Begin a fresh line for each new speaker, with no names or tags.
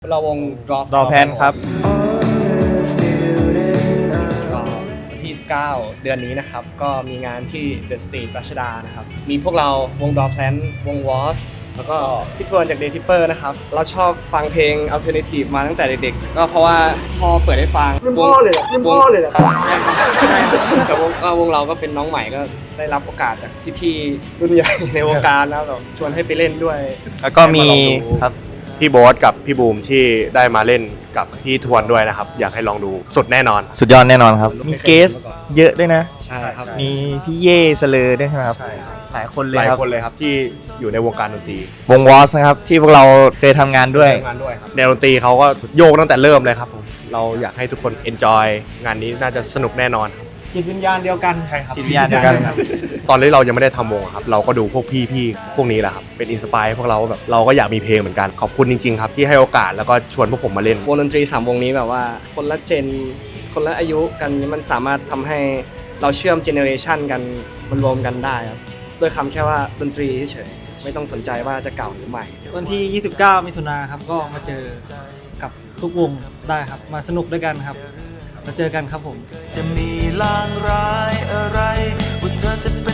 เราวง
Drop Pan ครับ
ก็วันที่19เดือนนี้นะครับก็มีงานที่ The Stage รัชดานะครับมีพวกเราวง Drop Pan วง Was แล้วก็พี่ทวนจาก Day Tipper นะครับเราชอบฟังเพลง Alternative มาตั้งแต่เด็กๆก็เพราะว่าพอเปิดให้ฟังรุ่นพ่อเลยแต่วงเราก็เป็นน้องใหม่ก็ได้รับโอกาสจากพี่ๆรุ่นใหญ่ในวงการแล้วแบบชวนให้ไปเล่นด้วย
แล้วก็มีครับพี่โบ๊ทกับพี่บูมที่ได้มาเล่นกับพี่ทวนด้วยนะครับอยากให้ลองดูสุดแน่นอน
สุดยอดแน่นอนครับ มีเกสเยอะด้วยนะ
ใช่ครับ
มีพี่เย่เสลอด้วยใช่ไหมครับ
ใช่ครับ
หลายคนเล
ห
ย
ลาย
ครับ
คนเลยครับที่อยู่ในวงการดนตรี
วงวอสนะครับที่พวกเราเคยทำงานด้วย
ทำงานด้วยครับแนวดนตรีเขาก็โยกตั้งแต่เริ่มเลยครับผมเราอยากให้ทุกคน enjoy งานนี้น่าจะสนุกแน่นอนครับ
จิตวิญญาณเดียวกัน
ใช่ครับ
จิตวิญญาณเดียวกัน
ตอนที่เรายังไม่ได้ทำวงอะครับเราก็ดูพวกพี่ๆพวกนี้แหละครับเป็นอินสปายพวกเราว่าแบบเราก็อยากมีเพลงเหมือนกันขอบคุณจริงๆครับที่ให้โอกาสแล้วก็ชวนพวกผมมาเล่น
วงดนตรี3วงนี้แบบว่าคนละเจนคนละอายุกันมันสามารถทำให้เราเชื่อมเจเนอเรชันกันมันรวมกันได้ครับด้วยคำแค่ว่าดนตรีเฉยๆไม่ต้องสนใจว่าจะเก่าหรือใหม่
วันที่ 29 มิถุนายนครับก็มาเจอกับทุกวงได้ครับมาสนุกด้วยกันครับแล้วเจอกันครับผม
จะมีลางร้ายอะไรว่าเธอจะเป็น